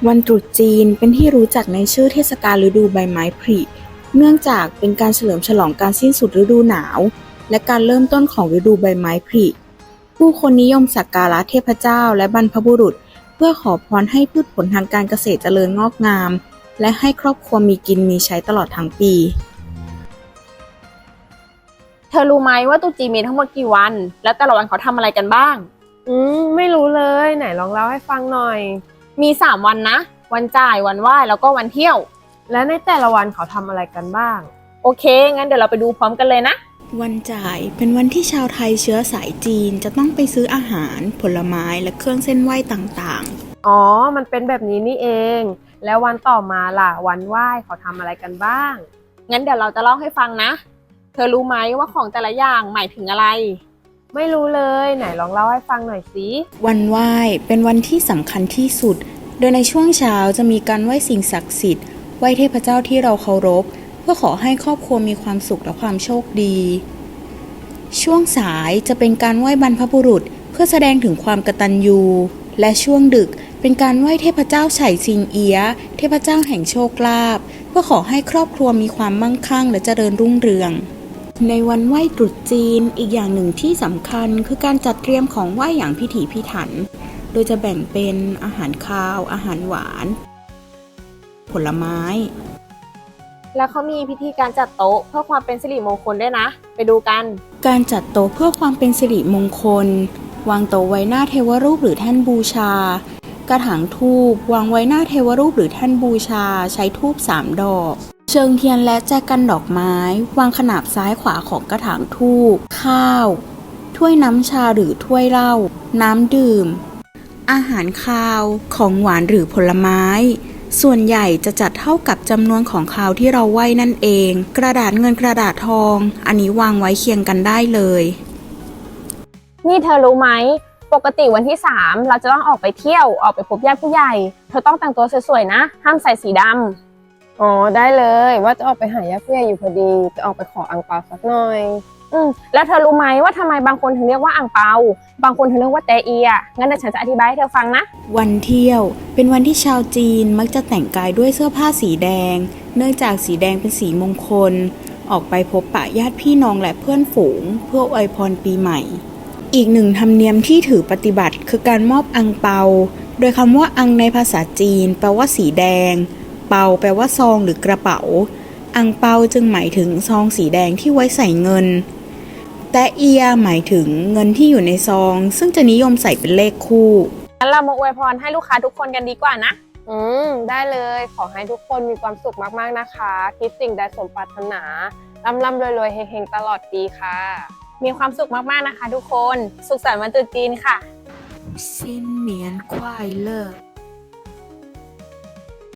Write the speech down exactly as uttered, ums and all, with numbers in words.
วันตรุษจีนเป็นที่รู้จักในชื่อเทศกาลฤดูใบไม้ผลิเนื่องจากเป็นการเฉลิมฉลองการสิ้นสุดฤดูหนาวและการเริ่มต้นของฤดูใบไม้ผลิผู้คนนิยมสักการะเทพเจ้าและบรรพบุรุษเพื่อขอพรให้พืชผลทางการเกษตรเจริญงอกงามและให้ครอบครัวมีกินมีใช้ตลอดทั้งปีเธอรู้ไหมว่าตรุษจีนมีทั้งหมดกี่วัน แล้วแต่ละวันเขาทำอะไรกันบ้างอืมไม่รู้เลยไหนลองเล่าให้ฟังหน่อยมีสามวันนะ วันจ่าย วันไหว้ แล้วก็วันเที่ยวและในแต่ละวันเขาทำอะไรกันบ้างโอเค งั้นเดี๋ยวเราไปดูพร้อมกันเลยนะวันจ่ายเป็นวันที่ชาวไทยเชื้อสายจีนจะต้องไปซื้ออาหารผลไม้และเครื่องเส้นไหว้ต่างๆอ๋อมันเป็นแบบนี้นี่เองแล้ววันต่อมาล่ะวันไหว้เขาทำอะไรกันบ้างงั้นเดี๋ยวเราจะเล่าให้ฟังนะ เธอรู้ไหมว่าของแต่ละอย่างหมายถึงอะไรไม่รู้เลยไหนลองเล่าให้ฟังหน่อยสิวันไหว้เป็นวันที่สำคัญที่สุดโดยในช่วงเช้าจะมีการไหว้สิ่งศักดิ์สิทธิ์ไหว้เทพเจ้าที่เราเคารพเพื่อขอให้ครอบครัวมีความสุขและความโชคดีช่วงสายจะเป็นการไหว้บรรพบุรุษเพื่อแสดงถึงความกตัญญูและช่วงดึกเป็นการไหว้เทพเจ้าไฉซิงเอี๊ยะเทพเจ้าแห่งโชคลาภเพื่อขอให้ครอบครัวมีความมั่งคั่งและเจริญรุ่งเรืองในวันไหว้ตรุษจีนอีกอย่างหนึ่งที่สำคัญคือการจัดเตรียมของไหว้อย่างพิถีพิถันโดยจะแบ่งเป็นอาหารคาวอาหารหวานผลไม้แล้วเขามีพิธีการจัดโต๊ะเพื่อความเป็นสิริมงคลด้วยนะไปดูกันการจัดโต๊ะเพื่อความเป็นสิริมงคลวางโต๊ะไว้หน้าเทวรูปหรือแท่นบูชากระถางธูปวางไว้หน้าเทวรูปหรือแท่นบูชาใช้ธูปสามดอกเชิงเทียนและแจกันดอกไม้วางขนาบซ้ายขวาของกระถางธูปข้าวถ้วยน้ำชาหรือถ้วยเหล้าน้ำดื่มอาหารคาวของหวานหรือผลไม้ส่วนใหญ่จะจัดเท่ากับจำนวนของคาวที่เราไหว้นั่นเองกระดาษเงินกระดาษทองอันนี้วางไว้เคียงกันได้เลยนี่เธอรู้ไหมปกติวันที่สามเราจะต้องออกไปเที่ยวออกไปพบญาติผู้ใหญ่เธอต้องแต่งตัวสวยๆนะห้ามใส่สีดำอ๋อได้เลยว่าจะออกไปหาญาติผู้ใหญ่อยู่พอดีจะออกไปขออั่งเปาสักหน่อยอืมแล้วเธอรู้ไหมว่าทำไมบางคนถึงเรียกว่าอั่งเปาบางคนถึงเรียกว่าแตเอียงั้นเดี๋ยวฉันจะอธิบายให้เธอฟังนะวันเที่ยวเป็นวันที่ชาวจีนมักจะแต่งกายด้วยเสื้อผ้าสีแดงเนื่องจากสีแดงเป็นสีมงคลออกไปพบปะญาติพี่น้องและเพื่อนฝูงเพื่ออวยพรปีใหม่อีกหนึ่งธรรมเนียมที่ถือปฏิบัติคือการมอบอั่งเปาโดยคำว่าอั่งในภาษาจีนแปลว่าสีแดงเปาแปลว่าซองหรือกระเป๋าอั่งเปาจึงหมายถึงซองสีแดงที่ไว้ใส่เงินแตะเอียหมายถึงเงินที่อยู่ในซองซึ่งจะนิยมใส่เป็นเลขคู่งั้นเรามาอวยพรให้ลูกค้าทุกคนกันดีกว่านะอืมได้เลยขอให้ทุกคนมีความสุขมากๆนะคะคิดสิ่งใดสมปรารถนาร่ำร่ำรวยๆเฮงๆตลอดปีค่ะมีความสุขมากๆนะคะทุกคนสุขสันต์วันตรุษจีนค่ะ新年快乐